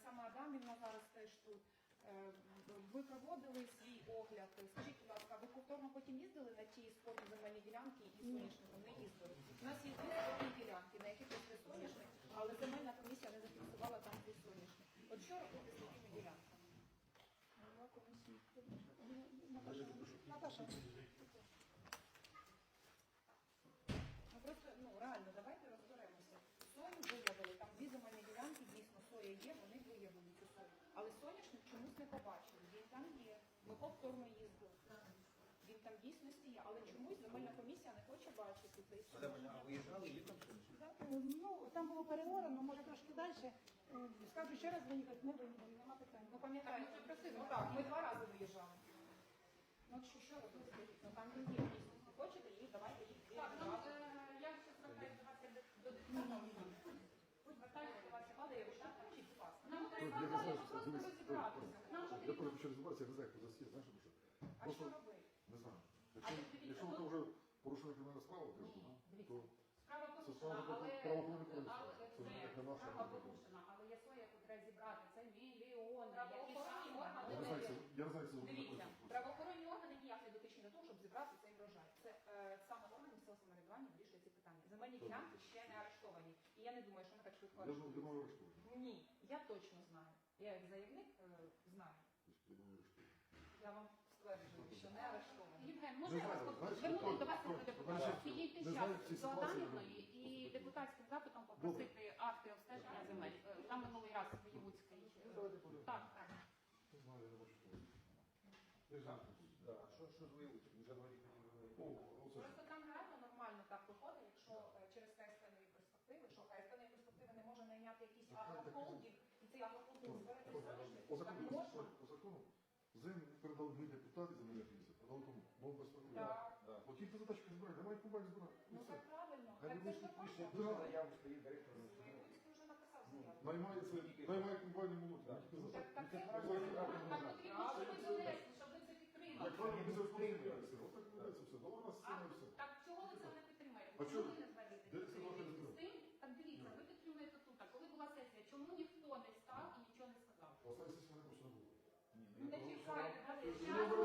сама Адамівна зараз теж тут. Ви проводили свій огляд. Скажіть, будь ласка, ви повторно потім їздили на ті спорні земельні ділянки і соняшником? Не їздили. У нас є дві спорні ділянки, на яких є соняшник, але земельна комісія не зафіксувала там дві соняшник. От що робити з такими ділянками? Голова комісії. Наташа. Ну просто, реально, давайте розберемося. Сою виявили, там дві земельні ділянки, дійсно, соя є, вони виявили цю сою. Але соняшник чомусь не побачили, він там є. Ми повторно їздили. Він там дійсності є, але чомусь земельна комісія не хоче бачити цей соняшник. А виїжджали, є там соняшник? Ну, там було переорано, може трошки далі. Скажу ще раз виїхати, не виїхали, нема питань. Ну пам'ятаєте, так, ми 2 рази виїжджали. Ну що робити? Ну там він є дійсності. Хочете їх, давайте їх. Так, я ще звертаюся до вас як до депутата. Звертаюся до вас, Але я вважаю, чи класно. нам треба просто розібратися. Нам Я потрібно. просто хочу розібратися, я не знаю, хто засів, знаєш, тому що. А Просто, що робити? не знаю. дивіться, Якщо ви вже порушили кримінальну справу, то Справа це порушена, справа але правоохоронних органів. Це це як не наша. справа порушена, але є своє, яку треба зібрати. Це мільйони, які Правоохоронні саме органи Я не знаю, я не знаю, як це Дивіться, правоохоронні органи ніяк не дотичні до того, щоб зібрати цей врожай. Це саме органи місцевого самоврядування вирішує ці питання. Земельні ділянки ще не арештовані. І я не думаю, що ми так швидко Я арештуємо. думаю, арештовані. Ні, я точно знаю. Я як заявник знаю. Я думаю, арештовані. Я вам стверджую, що не арештовані. Євген, Не можна я знаю, вас знаєш, звернути до вас хто- як хто- депутата? хто- Підійти не знаю, зараз в цій до ситуації Адамівної не і депутатським запитом попросити акти обстеження земель. Там минулий раз Воєвудський. Так, так. Не знаю, я не бачу, що. Я знаю. А що з виявити? Вже говорить, О, оце ж. Просто там реально нормально так виходить, якщо через ХСТ-нові перспективи, що ХСТ-нові перспективи не може найняти якийсь агрохолдинг, і цей агрохолдинг збирати соняшник, По так закону, можна? по закону, землю передали ми депутати земельні комісії, передали тому, бо без проблем. Так. От тільки задачки збирати, немає кубань збирати. І Ну все. так правильно. Хай Так вони це ж пише, нормально. заяву стоїть директор. Воєвудський вже написав заяву. Наймає комбайни молоді. Так. Тільки за Так, це. так це Так потрібно, щоб ви донесли, щоб ви це Як підтримали. правильно, ми завжди підтримуємося. Отак відбувається все. Добре, у нас А, сцена і все. так чого ви це не підтримаєте? А Чому чого? ви не звалите? Де це ваше З відео? тим, так дивіться, ви підтримуєте тут. А коли була сесія, чому ніхто не став і нічого не сказав? Останні сесії мене просто не було. Не чекайте, Ну,